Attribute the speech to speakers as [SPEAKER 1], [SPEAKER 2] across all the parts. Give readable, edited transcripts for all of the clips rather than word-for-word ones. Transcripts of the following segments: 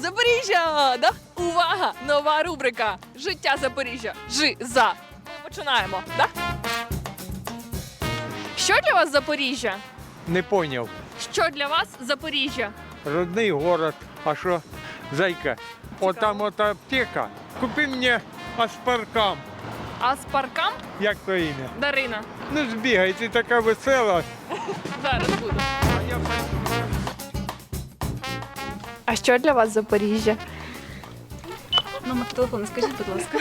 [SPEAKER 1] Запоріжжя! Да? Увага! Нова рубрика Життя Запоріжжя. Жи-за. Ми починаємо, да? Що для вас Запоріжжя?
[SPEAKER 2] Не поняв.
[SPEAKER 1] Що для вас Запоріжжя?
[SPEAKER 2] Родний город. А що, зайка? Отам от аптека. Купи мені аспаркам.
[SPEAKER 1] Аспаркам?
[SPEAKER 2] Як то ім'я?
[SPEAKER 1] Дарина.
[SPEAKER 2] Ну збігай, ти така весела.
[SPEAKER 1] Зараз буду. А що для вас Запоріжжя?
[SPEAKER 3] Номер телефону скажіть, будь ласка.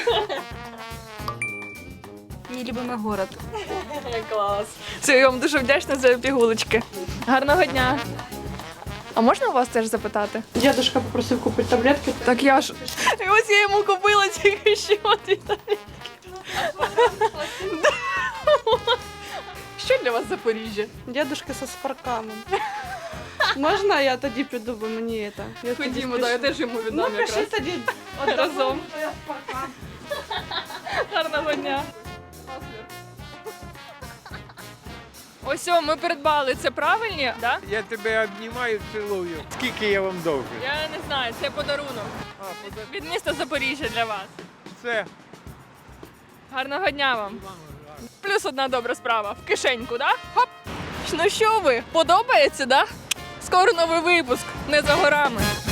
[SPEAKER 3] Мій любимий город.
[SPEAKER 1] Клас. Все, я вам дуже вдячна за пігулочки. Гарного дня. А можна у вас теж запитати?
[SPEAKER 4] Дедушка попросив купити таблетки.
[SPEAKER 1] Так я ж. І ось я йому купила тільки що дві таблетки. Що для вас Запоріжжя?
[SPEAKER 4] Дедушка со спарканом. Можна я тоді піду, бо мені це? Я тоді
[SPEAKER 1] Ходімо,
[SPEAKER 4] спішу.
[SPEAKER 1] да, я теж йому
[SPEAKER 4] Ну,
[SPEAKER 1] віддам
[SPEAKER 4] пиши
[SPEAKER 1] якраз.
[SPEAKER 4] тоді
[SPEAKER 1] Разом.
[SPEAKER 4] Я спаркан.
[SPEAKER 1] Гарного дня. Ось о, ми придбали. Це правильні? Да?
[SPEAKER 2] Я тебе обнімаю, цілую. Скільки я вам довжу?
[SPEAKER 1] Я не знаю, це подарунок. Від міста Запоріжжя для вас.
[SPEAKER 2] Це
[SPEAKER 1] Гарного дня вам. Плюс одна добра справа. В кишеньку, да? Хоп! Ну що ви, подобається, да? Скоро новий випуск, не за горами.